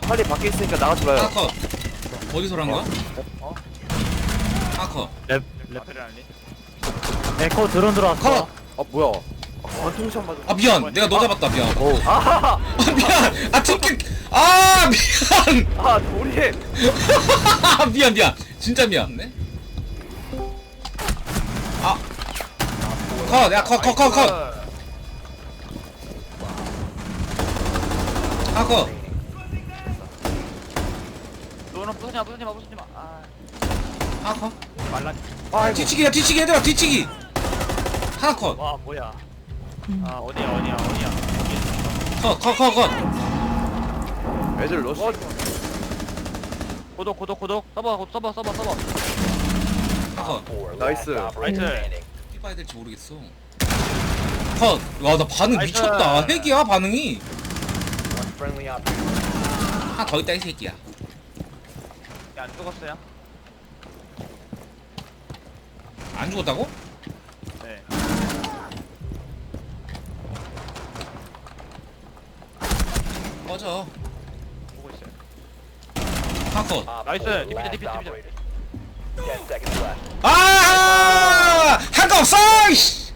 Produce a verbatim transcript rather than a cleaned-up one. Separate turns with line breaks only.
빨리 밖에 있으니까 나가지 마요.
하나 컷. 어디서 란 거야?
어?
하나 컷.
랩
레벨 알리?
에코 드론 들어왔어.
컷.
아 뭐야? 아, 관통샷 맞아.
아 미안. 내가 너 잡았다. 미안.
오. 아,
아 미안. 아 팀킬. 아 미안.
아 우리
아 미안 미안. 진짜 미안. 네? 아. 컷. 야 컷 컷 컷 컷. 하나 컷.
너는 부수지 마, 부수지 마, 부수지 마. 아,
하나 컷.
말라.
아
뒤치기야 뒤치기 얘들아 뒤치기. 하나 컷.
와, 뭐야? 아, 어디야, 어디야, 어디야?
컷 컷 컷 컷.
애들 러시.
고독, 고독, 고독. 써봐, 써봐, 써봐, 써봐.
하나 컷.
나이스.
라이트.
삐봐야 될지 모르겠어. 컷. 와 나 반응
나이스.
미쳤다. 핵이야 반응이. 하나 더 있다 이 새끼야.
야, 안 죽었어요?
안 죽었다고?
네.
꺼져.
보고 있어요.
하나 컷.
나이스. 디피자, 디피자, 디피자.
아! 할 거 없어! 이씨!